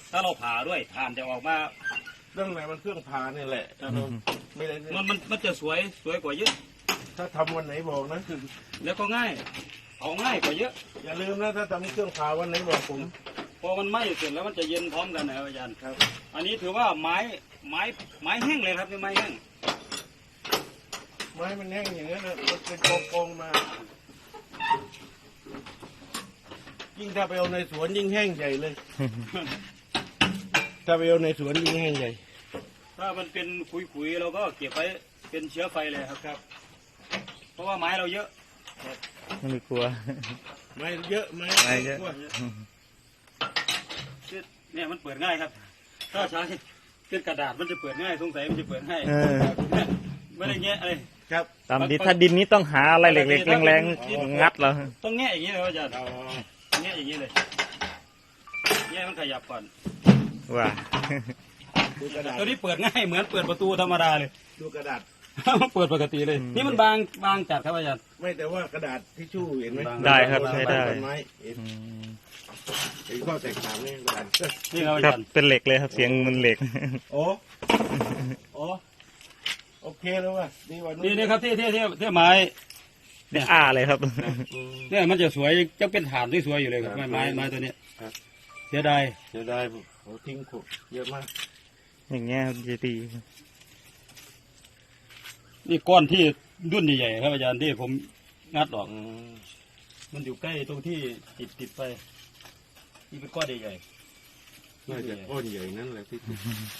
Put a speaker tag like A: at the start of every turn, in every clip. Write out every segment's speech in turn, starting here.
A: ถ้าเราผ่าด้วยถ่านจะออกมา
B: เรื่องไหนมันเครื่องผ่านี่แหละไม่ได้
A: มันจะสวยกว่าเยอะ
B: ถ้าทำวันไหนบอกนะ
A: แล้วก็ง่ายเอาง่ายกว่าเยอะ
B: อย่าลืมนะถ้าทำเครื่องผ่าวันไหนบอกผม
A: พอมันไหม้เสร็จแล้วมันจะเย็นพร้อมกันนะครับอาจารย์
B: ครับ
A: อันนี้ถือว่าไม้แห้งเลยครับนี่ไม้แห้ง
B: ไม้มันแห้งอย่างนั้นนะมันเป็นกองมา ยิ่งถ้าไปเอาในสวนยิ่งแห้งใหญ่เลย ถ้าไปเอาในสวนยิ่งแห้งใหญ่
A: ถ้ามันเป็นขุยๆเราก็เก็บไว้เป็นเชื้อไฟเลยครับ เพราะว่าไม้เราเยอะ
C: ไม่กลัว
B: ไม้เยอะไม้
C: ไม้เยอะ
A: เนี่ยมันเปิดง่ายครับ ถ้าใช้เป็นกระดาษมันจะเปิดง่ายสงสัยมันจะเปิดง่ายไม่ได้แงะอะไร
B: ครับ
C: ตามดินถ้าดินนี้ต้องหาอะไรเหล็กๆแรงๆงัดแล้ว
A: ต้องแงะอย่างนี้เลยอาจารย์แงะอย่างนี้เลยแงะมันขยับก่อน
C: ว่า
B: ดูกระดาษ
A: ตัวนี้เปิดง่ายเหมือนเปิดประตูธรรมดาเลย
B: ดูกระดาษ
A: เปิดปกติเลย นี่มันบางจัดครับอาจารย์
B: ไม่แต่ว่ากระดาษทิชชู่เห็นไหม
C: ได้ครับใช้ได้
B: ต้นไม้เห็นเห็นข้อแตกต่างนี่กระดาษ
A: นี่ครับอา
C: ครับ
A: จารย์
C: เป็นเหล็กเลยครับเสียงมันเหล็ก
B: โอ้โอเคแล้วว่ะนี่วัน
A: นี่ครับที่ไม้
C: เนี่ยอ้าเลยครับ
A: เนี่ยมันจะสวยจะเป็นฐานที่สวยอยู่เลยครับไม้ตัวนี้เสียดาย
B: จะได้โอ้ทิ้งขุดเยอะมาก
C: อย่างเงี้ยครับจะดี
A: นี่ก้อนที่ดุ้นใหญ่ๆครับอาจารย์ที่ผมงัดออกมันอยู่ใกล้ตรงที่ติดไปนี่เป็นก้อนใหญ่
B: น่าจะก้อนใหญ่นั่นแหละที่
A: ๆ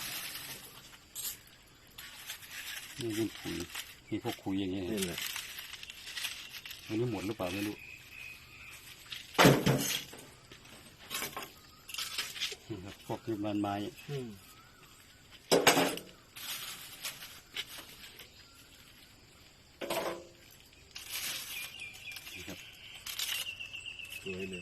A: นี่เป็นขุยมีพวกขุยอย่างนี้
B: นี่แหละ
A: มันไม่หมดหรือเปล่าไม่รู้นี่ครับพวกที่มันไม้นี่ครับ
B: สวยเลย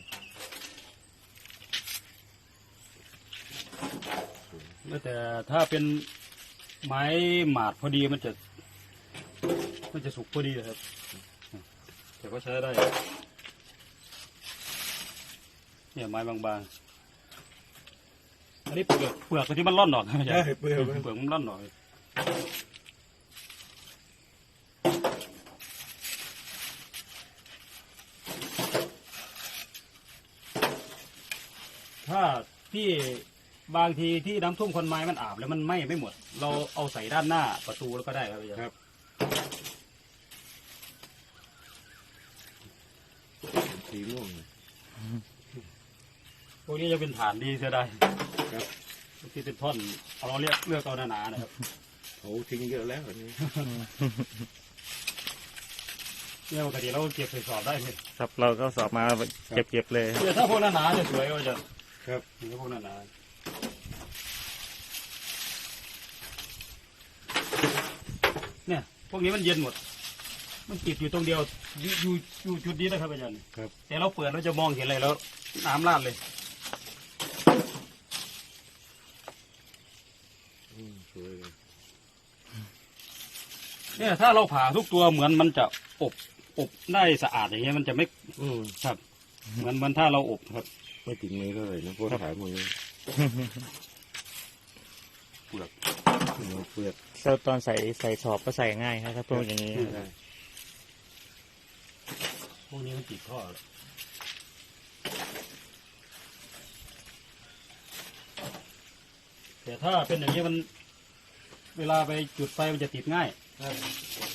A: แล้วแต่ถ้าเป็นไม้หมาดพอดีมันจะสุกพอดีครับแต่ก็ใช้ได้เนี่ยไม้บางๆอันนี้เปลือกที่มันร่อนออกนะ
B: ใช่เปลือก
A: เปลือกมันร่อนออกถ้าที่บางทีที่น้ำท่วมคนไม้มันอาบแล้วมันไหม้ไม่หมด เราเอาใส่ด้านหน้าประตูแล้วก็ได้ครับอาจารย์
B: ครับสีม่วง
A: พวกนี้จะเป็นฐานดีเสียดาย
B: ครับ
A: ที่เป็นท่อนเราเลือกเอาหนาๆนะครับ
B: เขาทิ้งเยอะแล้วอันนี้
A: เนี่ยปกติเราเก็บใส่สอบได้เลย
C: ครับเราก็สอบมาเก็บเลย
A: เนี่ยถ้าพวกหนาๆจะสวยก็จะ
B: ครับ
A: ถ้าพวกหนาๆเนี่ยพวกนี้มันเย็นหมด มันติดอยู่ตรงเดียวอยู่จุดนี้นะครับอาจารย์
B: ครับ
A: แต่เราเปิดเราจะมองเห็นอะไรแล้วน้ำราดเลย
B: สวยเลย
A: เนี่ยถ้าเราผ่าทุกตัวเหมือนมันจะอบได้สะอาดอย่างเงี้ยมันจะไม่ครับเหมือนถ้าเราอบครับ
B: ไม่ติดมือเท่าไหร่นะพวกขายมือ
A: เปลือก
B: เปลือก
C: แล้วตอนใส่สอบก็ใส่ง่ายครับถ้าพวกอย่างนี้
B: ได้
A: พวกนี้มันติดท่อแล้วแต่ถ้าเป็นอย่างนี้มันเวลาไปจุดไฟมันจะติดง่าย